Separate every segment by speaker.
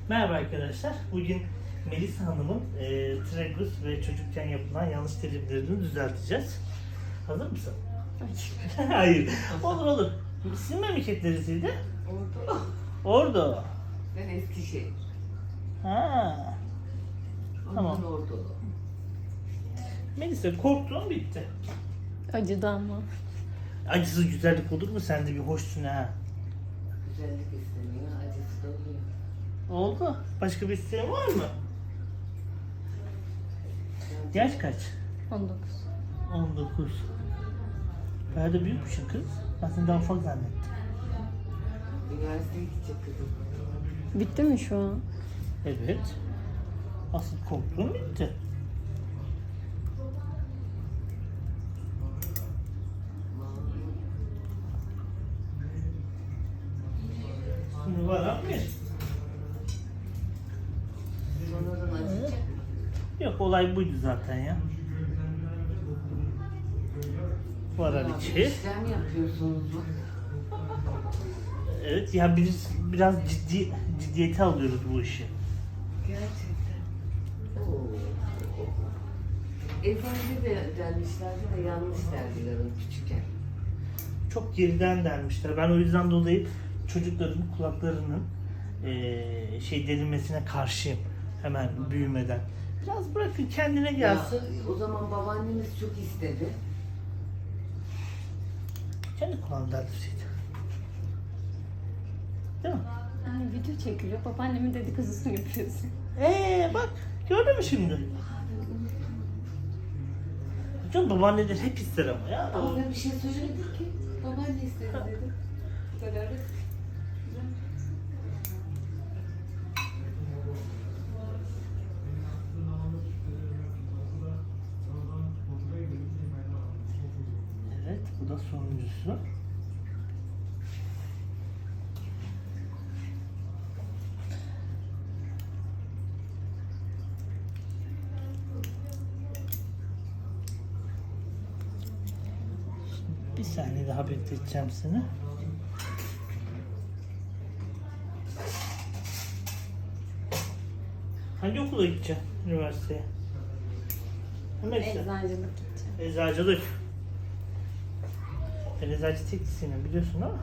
Speaker 1: Merhaba arkadaşlar. Bugün Melisa Hanım'ın tragus ve çocukken yapılan yanlış terimlerini düzelteceğiz. Hazır mısın? Hayır. Olur olur. Sizin memleket neresiydi?
Speaker 2: Ordu.
Speaker 1: Ordu.
Speaker 2: Ben Eskişehir.
Speaker 1: Ha. Tamam.
Speaker 2: Ondan Ordu.
Speaker 1: Melisa korktuğun bitti.
Speaker 3: Acıdı ama.
Speaker 1: Acısız güzellik olur mu? Sen de bir hoşsun ha.
Speaker 2: Güzellik isteniyor, acısı da oluyor.
Speaker 1: Oldu. Başka bir isteğin var mı? Yaş kaç?
Speaker 3: 19.
Speaker 1: 19. Bayağı da büyükmüşsün kız. Ben seni daha ufak zannettim.
Speaker 2: Üniversiteye gidecek kızım.
Speaker 3: Bitti mi şu an?
Speaker 1: Evet. Asıl korktuğum bitti. Şimdi var mı?
Speaker 2: Sonradan acıyacak.
Speaker 1: Yok, olay buydu zaten ya. Varar içi.
Speaker 2: İşlem yapıyorsunuz.
Speaker 1: Evet ya, biraz ciddiyete alıyoruz bu işi.
Speaker 2: Gerçekten. Oo. Eczanede de dermişlerdi de yanlış derdiler onu küçükken.
Speaker 1: Çok geriden dermişler. Ben o yüzden dolayı çocukların kulaklarının delinmesine karşıyım. Hemen büyümeden. Biraz bırakın kendine gelsin.
Speaker 2: Ya, o zaman babaannemiz çok istedi.
Speaker 1: Kendi kulağını deldirseydi. Değil mi?
Speaker 3: Anne video çekiliyor. Babaannemin dedikodusunu yapıyorsun.
Speaker 1: Bak gördün mü şimdi? Canım babaanneler hep ister ama ya.
Speaker 2: Ama ben bir şey söyledim ki. Babaanne istedi dedi. Bu kadar.
Speaker 1: Evet, bu da sonuncusu. Bir saniye daha bekleteceğim seni. Hangi okula gideceksin? Üniversiteye? Hemen işte.
Speaker 3: Eczacılık gideceğim.
Speaker 1: Eczacılık. Ben eczacı teknisyenim biliyorsun ama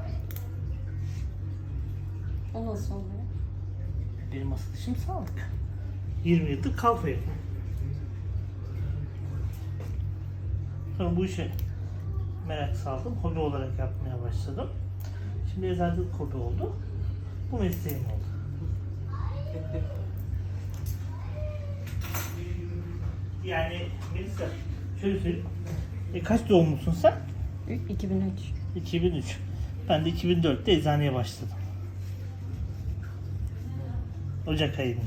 Speaker 3: O nasıl oluyor?
Speaker 1: benim asıl işim sağlık. 20 yıldır kalfayım. Sonra bu işe merak saldım. Hobi olarak yapmaya başladım. Şimdi eczacılık hobi oldu. Bu mesleğim oldu. Yani Melisa, şöyle söyleyeyim. Kaç doğumlusun sen?
Speaker 3: 2003.
Speaker 1: 2003. Ben de 2004'te eczaneye başladım. Ocak ayında.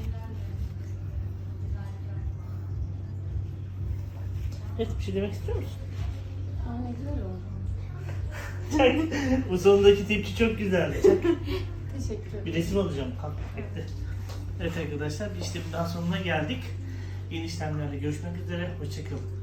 Speaker 1: Evet, bir şey demek istiyor musun?
Speaker 3: Aa, ne güzel oldu.
Speaker 1: Çak. Bu sonundaki tepki çok güzeldi. Çak.
Speaker 3: Teşekkür ederim.
Speaker 1: Bir resim alacağım. Kalk. Bekle. Evet arkadaşlar, bir işlemin daha sonuna geldik. Yeni işlemlerle görüşmek üzere. Hoşçakalın.